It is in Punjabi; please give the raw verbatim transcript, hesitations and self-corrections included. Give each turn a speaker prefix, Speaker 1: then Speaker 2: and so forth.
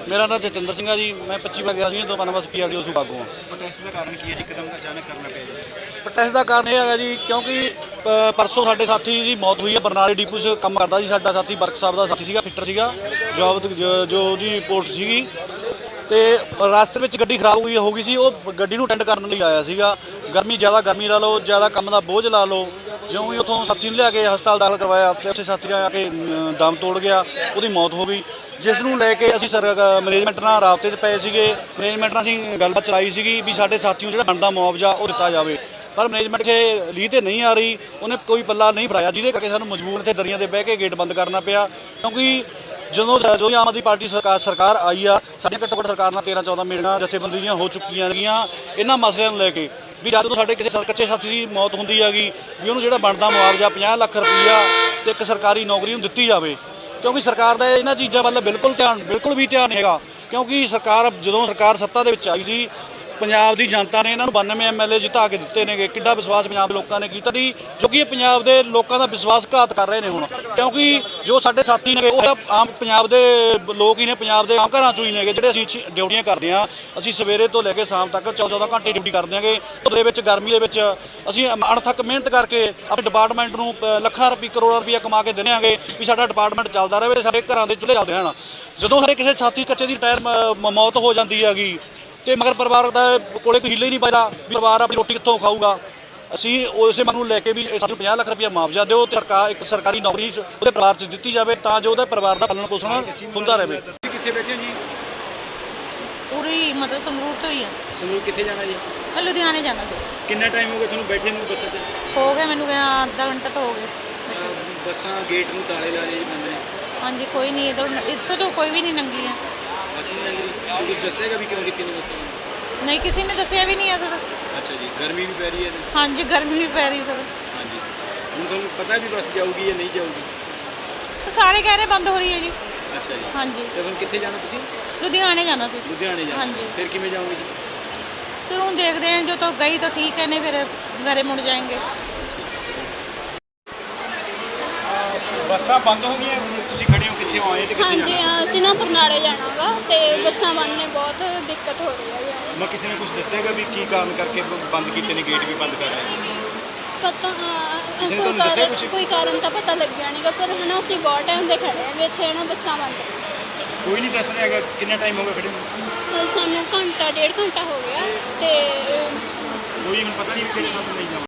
Speaker 1: मेरा नाम जतिंदर सिंह है जी। मैं पच्ची बार गया जी तो बनवास पी आर डी ओ सूबागू हाँ।
Speaker 2: प्रोटेस्ट का कारण की है जी कदम अचानक करना पे
Speaker 1: प्रोटेस्ट का कारण यह है जी क्योंकि परसों साडे साथी की मौत हुई है। बरनाले डिपू से काम करता जी साडा साथी वर्क साहब का साथी सीगा फिटर सीगा जॉब जो ਉਹਦੀ ਰਿਪੋਰਟ ਸੀਗੀ ਤੇ ਰਾਸਤੇ ਵਿੱਚ ਗੱਡੀ ਖਰਾਬ ਹੋਈ ਹੋ ਗਈ ਸੀ। ਉਹ ਗੱਡੀ ਨੂੰ ਅਟੈਂਡ ਕਰਨ ਲਈ ਆਇਆ ਸੀਗਾ। ਗਰਮੀ ਜ਼ਿਆਦਾ ਗਰਮੀ ਲਾ ਲਓ ਜ਼ਿਆਦਾ ਕੰਮ ਦਾ ਬੋਝ ਲਾ ਲਓ ਜਿਉਂ ਹੀ ਉੱਥੋਂ ਸਾਥੀ ਨੂੰ ਲਿਆ ਕੇ ਹਸਪਤਾਲ ਦਾਖਲ ਕਰਵਾਇਆ ਤੇ ਉੱਥੇ ਸਾਥੀ ਆ ਕੇ ਦਮ ਤੋੜ ਗਿਆ, ਉਹਦੀ ਮੌਤ ਹੋ ਗਈ। ਜਿਸ ਨੂੰ ਲੈ ਕੇ ਅਸੀਂ ਸਰ ਮੈਨੇਜਮੈਂਟ ਨਾਲ ਰਾਬਤੇ 'ਚ ਪਏ ਸੀਗੇ। ਮੈਨੇਜਮੈਂਟ ਨਾਲ ਅਸੀਂ ਗੱਲਬਾਤ ਚਲਾਈ ਸੀਗੀ ਵੀ ਸਾਡੇ ਸਾਥੀ ਨੂੰ ਜਿਹੜਾ ਬਣਦਾ ਮੁਆਵਜ਼ਾ ਉਹ ਦਿੱਤਾ ਜਾਵੇ, ਪਰ ਮੈਨੇਜਮੈਂਟ 'ਚ ਲੀਹ ਤੇ ਨਹੀਂ ਆ ਰਹੀ। ਉਹਨੇ ਕੋਈ ਪੱਲਾ ਨਹੀਂ ਫੜਾਇਆ, ਜਿਹਦੇ ਕਰਕੇ ਸਾਨੂੰ ਮਜਬੂਰ ਇੱਥੇ ਦਰੀਆਂ 'ਤੇ ਬਹਿ ਕੇ ਗੇਟ ਬੰਦ ਕਰਨਾ ਪਿਆ। ਕਿਉਂਕਿ ਜਦੋਂ ਜੋ ਆਮ ਆਦਮੀ ਪਾਰਟੀ ਸਰਕਾਰ ਸਰਕਾਰ ਆਈ ਆ, ਸਾਡੀਆਂ ਘੱਟੋ ਘੱਟ ਸਰਕਾਰ ਨਾਲ ਤੇਰਾਂ ਚੌਦਾਂ ਮੀਟਿੰਗਾਂ ਜਥੇਬੰਦੀਆਂ ਹੋ ਚੁੱਕੀਆਂ ਹੈਗੀਆਂ ਇਹਨਾਂ ਮਸਲਿਆਂ ਨੂੰ ਲੈ ਕੇ ਵੀ ਜਦ ਤੋਂ ਸਾਡੇ ਕਿਸੇ ਕੱਚੇ ਸਾਥੀ ਦੀ ਮੌਤ ਹੁੰਦੀ ਹੈਗੀ ਵੀ ਉਹਨੂੰ ਜਿਹੜਾ ਬਣਦਾ ਮੁਆਵਜ਼ਾ ਪੰਜਾਹ ਲੱਖ ਰੁਪਈਆ ਤੇ ਇੱਕ ਸਰਕਾਰੀ ਨੌਕਰੀ ਨੂੰ ਦਿੱਤੀ ਜਾਵੇ। ਕਿਉਂਕਿ ਸਰਕਾਰ ਦਾ ਇਹਨਾਂ ਚੀਜ਼ਾਂ ਵੱਲ ਬਿਲਕੁਲ ਧਿਆਨ ਬਿਲਕੁਲ ਵੀ ਧਿਆਨ ਨਹੀਂ ਹੈਗਾ। ਕਿਉਂਕਿ ਸਰਕਾਰ ਜਦੋਂ ਸਰਕਾਰ ਸੱਤਾ ਦੇ ਵਿੱਚ ਆਈ ਸੀ ਪੰਜਾਬ ਦੀ ਜਨਤਾ ਨੇ ਇਹਨਾਂ ਨੂੰ ਬਾਨਵੇਂ ਐਮ ਐਲ ਏ ਜਿਤਾ ਕੇ ਦਿੱਤੇ ਨੇਗੇ। ਕਿੱਡਾ ਵਿਸ਼ਵਾਸ ਪੰਜਾਬ ਦੇ ਲੋਕਾਂ ਨੇ ਕੀਤਾ ਸੀ, ਜੋ ਕਿ ਇਹ ਪੰਜਾਬ ਦੇ ਲੋਕਾਂ ਦਾ ਵਿਸ਼ਵਾਸਘਾਤ ਕਰ ਰਹੇ ਨੇ ਹੁਣ। ਕਿਉਂਕਿ ਜੋ ਸਾਡੇ ਸਾਥੀ ਨੇ ਉਹ ਤਾਂ ਆਮ ਪੰਜਾਬ ਦੇ ਲੋਕ ਹੀ ਨੇ, ਪੰਜਾਬ ਦੇ ਆਮ ਘਰਾਂ ਚੋਂ ਹੀ ਨੇਗੇ ਜਿਹੜੇ ਅਸੀਂ ਡਿਊਟੀਆਂ ਕਰਦੇ ਹਾਂ। ਅਸੀਂ ਸਵੇਰੇ ਤੋਂ ਲੈ ਕੇ ਸ਼ਾਮ ਤੱਕ ਚੌਦਾਂ ਚੌਦਾਂ ਘੰਟੇ ਡਿਊਟੀ ਕਰਦੇ ਹਾਂਗੇ। ਉਹਦੇ ਵਿੱਚ ਗਰਮੀ ਦੇ ਵਿੱਚ ਅਸੀਂ ਅਣਥੱਕ ਮਿਹਨਤ ਕਰਕੇ ਆਪਣੇ ਡਿਪਾਰਟਮੈਂਟ ਨੂੰ ਲੱਖਾਂ ਰੁਪਏ ਕਰੋੜਾਂ ਰੁਪਈਆ ਕਮਾ ਕੇ ਦਿੰਦੇ ਹਾਂਗੇ ਵੀ ਸਾਡਾ ਡਿਪਾਰਟਮੈਂਟ ਚੱਲਦਾ ਰਹੇ, ਸਾਡੇ ਘਰਾਂ ਦੇ ਚੁੱਲ੍ਹੇ ਚੱਲਦੇ ਹਨ। ਜਦੋਂ ਸਾਡੇ ਕਿਸੇ ਸਾਥੀ ਕੱਚੇ ਦੀ ਟਾਇਰ ਮੌਤ ਹੋ ਜਾਂਦੀ ਹੈਗੀ ਤੇ ਮਗਰ ਪਰਿਵਾਰ ਦਾ ਕੋਲੇ ਕੋਈ ਹਿੱਲੇ ਹੀ ਨਹੀਂ ਪੈਦਾ ਵੀ ਪਰਿਵਾਰ ਆਪਣੀ ਰੋਟੀ ਕਿੱਥੋਂ ਖਾਊਗਾ। ਅਸੀਂ ਉਸੇ ਮੰਗ ਨੂੰ ਲੈ ਕੇ ਵੀ ਸਾਨੂੰ ਪੰਜਾਹ ਲੱਖ ਰੁਪਈਆ ਮੁਆਵਜ਼ਾ ਦਿਓ ਤੇ ਸਰਕਾਰ ਇੱਕ ਸਰਕਾਰੀ ਨੌਕਰੀ ਉਹਦੇ ਪਰਿਵਾਰ 'ਚ ਦਿੱਤੀ ਜਾਵੇ ਤਾਂ ਜੋ ਉਹਦੇ ਪਰਿਵਾਰ ਦਾ ਪਾਲਣ ਪੋਸ਼ਣ ਹੁੰਦਾ ਰਹੇ।
Speaker 2: ਕਿੱਥੇ ਬੈਠੇ ਹੋ ਜੀ?
Speaker 3: ਪੂਰੀ ਮਤਲਬ ਸੰਗਰੂਰ ਤੋਂ ਹੀ ਆ।
Speaker 2: ਸੰਗਰੂਰ ਕਿੱਥੇ ਜਾਣਾ ਜੀ?
Speaker 3: ਮੈਂ ਲੁਧਿਆਣੇ ਜਾਣਾ ਸੀ।
Speaker 2: ਕਿੰਨਾ ਟਾਈਮ ਹੋ ਗਿਆ ਤੁਹਾਨੂੰ ਬੈਠੇ ਨੂੰ ਬੱਸਾਂ 'ਚ?
Speaker 3: ਹੋ ਗਿਆ ਮੈਨੂੰ ਗਿਆ ਅੱਧਾ ਘੰਟਾ ਤਾਂ ਹੋ ਗਿਆ।
Speaker 2: ਬੱਸਾਂ ਗੇਟ ਨੂੰ ਤਾਲੇ ਲਾ ਰਹੇ ਜੀ ਬੰਦੇ ਨੇ।
Speaker 3: ਹਾਂਜੀ ਕੋਈ ਨਹੀਂ ਇੱਧਰ ਇੱਥੋਂ ਤੋਂ ਕੋਈ ਵੀ ਨਹੀਂ ਲੰਘੀ ਹੈ।
Speaker 2: ਅਸੀਂ ਨਹੀਂ ਕੁਝ ਦੱਸੇਗਾ ਵੀ ਕਿਉਂ ਕੀਤੀ ਨਹੀਂ ਬੱਸਾਂ?
Speaker 3: ਨਹੀਂ ਕਿਸੇ ਨੇ ਦੱਸਿਆ ਵੀ ਨਹੀਂ ਹੈ ਸਰ।
Speaker 2: ਅੱਛਾ ਜੀ, ਗਰਮੀ ਵੀ ਪੈ ਰਹੀ ਹੈ?
Speaker 3: ਹਾਂਜੀ ਗਰਮੀ ਵੀ ਪੈ ਰਹੀ ਸਰ।
Speaker 2: ਹਾਂਜੀ, ਹੁਣ ਤੁਹਾਨੂੰ ਪਤਾ ਵੀ ਬੱਸ ਜਾਊਗੀ ਜਾਂ ਨਹੀਂ ਜਾਊਗੀ?
Speaker 3: ਸਾਰੇ ਕਹਿ ਰਹੇ ਬੰਦ ਹੋ ਰਹੀ ਹੈ ਜੀ।
Speaker 2: ਅੱਛਾ ਜੀ,
Speaker 3: ਹਾਂਜੀ।
Speaker 2: ਤੇ ਹੁਣ ਕਿੱਥੇ ਜਾਣਾ ਤੁਸੀਂ?
Speaker 3: ਲੁਧਿਆਣੇ ਜਾਣਾ ਸੀ।
Speaker 2: ਲੁਧਿਆਣੇ ਜਾਣਾ?
Speaker 3: ਹਾਂਜੀ।
Speaker 2: ਫਿਰ ਕਿਵੇਂ ਜਾਓਗੇ ਜੀ?
Speaker 3: ਸਰ ਹੁਣ ਦੇਖਦੇ ਹਾਂ, ਜੋ ਤਾਂ ਗਈ ਤਾਂ ਠੀਕ ਹੈ, ਨਹੀਂ ਫਿਰ ਘਰੇ ਮੁੜ ਜਾएंगे।
Speaker 2: ਬੱਸਾਂ ਬੰਦ ਹੋ ਗਈਆਂ, ਤੁਸੀਂ ਖੜੇ ਹੋ ਕਿੱਥੇ ਆਏ ਤੇ ਕਿੱਥੇ ਜਾਣਾ?
Speaker 4: ਹਾਂਜੀ ਅਸੀਂ ਨਾ ਬਰਨਾਲੇ ਜਾਣਾਗਾ ਤੇ ਬੱਸਾਂ ਬੰਦ ਨੇ, ਬਹੁਤ ਦਿੱਕਤ ਹੋ ਰਹੀ ਹੈ।
Speaker 2: ਮੈਂ ਕਿਸੇ ਨੇ ਕੁਝ ਦੱਸੇਗਾ ਵੀ ਕੀ ਕਾਰਨ ਕਰਕੇ ਬੰਦ ਕੀਤੇ ਨੇ, ਗੇਟ ਵੀ ਬੰਦ ਕਰ ਰਹੇ ਨੇ?
Speaker 4: ਪਤਾ
Speaker 2: ਕਿਸੇ ਨੇ
Speaker 4: ਕੋਈ
Speaker 2: ਤੁਹਾਨੂੰ ਦੱਸਿਆ
Speaker 4: ਕਾਰਨ
Speaker 2: ਕੁਛ?
Speaker 4: ਕੋਈ ਕਾਰਨ ਤਾਂ ਪਤਾ ਲੱਗਿਆ ਨਹੀਂਗਾ, ਪਰ ਹਨਾ ਅਸੀਂ ਬਹੁਤ ਟਾਈਮ ਦੇ ਖੜੇ ਆਂਗੇ ਇੱਥੇ ਨਾ, ਬੱਸਾਂ ਬੰਦ।
Speaker 2: ਕੋਈ ਨਹੀਂ ਦੱਸ ਰਿਹਾ ਹੈਗਾ ਕਿੰਨਾ ਟਾਈਮ ਹੋ ਗਿਆ ਖੜੇ ਨੂੰ?
Speaker 4: ਸਾਨੂੰ ਘੰਟਾ ਡੇਢ ਘੰਟਾ ਹੋ ਗਿਆ ਤੇ
Speaker 2: ਕੋਈ ਹੁਣ ਪਤਾ ਨਹੀਂ ਕਿਹੜੇ ਸਾਥ ਨਹੀਂ ਜਾਣਾ।